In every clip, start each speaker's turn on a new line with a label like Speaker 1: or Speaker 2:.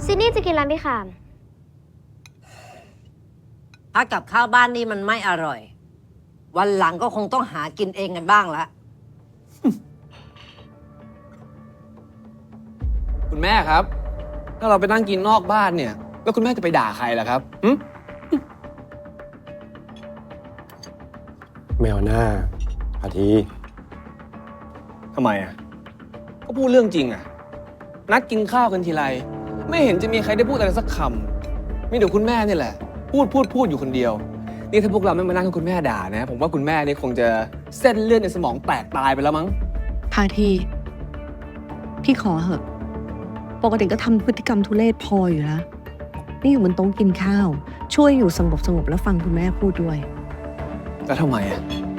Speaker 1: ซินนี่จะกินร้านพี่ขาม
Speaker 2: ถ้ากับข้าวบ้านนี่มันไม่อร่อย วันหลังก็คงต้องหากินเองกันบ้างละ
Speaker 3: คุณแม่ครับ ถ้าเราไปนั่งกินนอกบ้านเนี่ย แล้วคุณแม่จะไปด่าใครล่ะครับ
Speaker 4: แมวหน้าอาที
Speaker 3: ทำไมอ่ะ ก็พูดเรื่องจริงอ่ะ นัดกินข้าวกันทีไร ไม่เห็นจะมีใครได้พูดอะไรสักคำมีแต่คุณแม่นี่แหละ พูดอยู่คนเดียว นี่ถ้าพวกเราไม่มานั่งให้คุณแม่ด่านะ ผมว่าคุณแม่นี่คงจะเส้นเลือดในสมองแตกตายไปแล้วมั้ง
Speaker 5: พาทีพี่ขอเหอะ ปกติก็ทำพฤติกรรมทุเรศพออยู่แล้ว นี่อยู่บนโต๊ะกินข้าว ช่วยอยู่สงบแล้วฟังคุณแม่พูดด้วย
Speaker 3: แล้วทำไมอ่ะ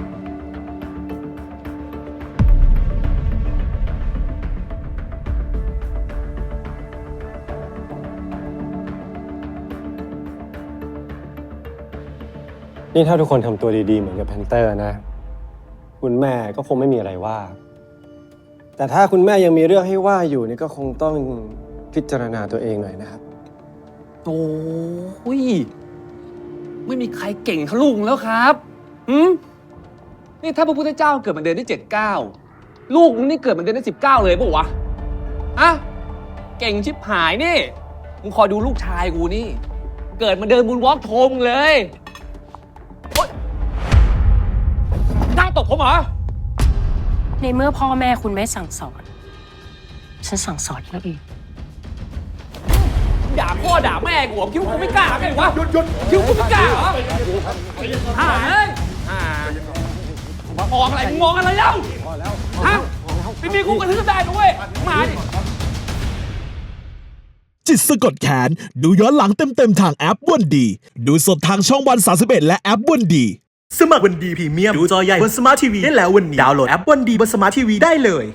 Speaker 4: นี่ถ้าทุกคนทำตัวดีๆเหมือนกับแพนเตอร์นะ คุณแม่ก็คงไม่มีอะไรว่า แต่ถ้าคุณแม่ยังมีเรื่องให้ว่าอยู่นี่ก็คงต้องพิจารณาตัวเองหน่อยนะครับ
Speaker 3: โอ้ยไม่มีใครเก่งเท่าลูกแล้วครับนี่ถ้าพระพุทธเจ้าเกิดมาเดือนที่7-9 ลูกมึงนี่เกิดมาเดือนที่19เลยปะวะอะเก่งชิบหายนี่มึงคอยดูลูกชายกูนี่ เกิดมาเดินบุญวอล์กโทมเลยโอ๊ยนั่งตบผมเหรอ
Speaker 6: ในเมื่อพ่อแม่คุณไม่สั่งสอน ฉันสั่งสอนเอง
Speaker 3: ด่าพ่อด่าแม่กูคิดว่ากูไม่กล้าไงวะหยุดคิดว่ากูไม่กล้าเหรอหาเอ้ยมองอะไรมึงมองอะไรเล่าฮะไม่มีกูกระทืบได้ด้วยมาดิ
Speaker 7: จิตสะกดแขนดูย้อนหลังเต็มๆทางแอปวันดี ดูสดทางช่องวัน31และแอปวันดี
Speaker 8: สมัครวันดีพรีเมียมดูจอใหญ่บนสมาร์ททีวีได้แล้ววันนี้ดาวน์โหลดแอปวันดีบนสมาร์ททีวีได้เลย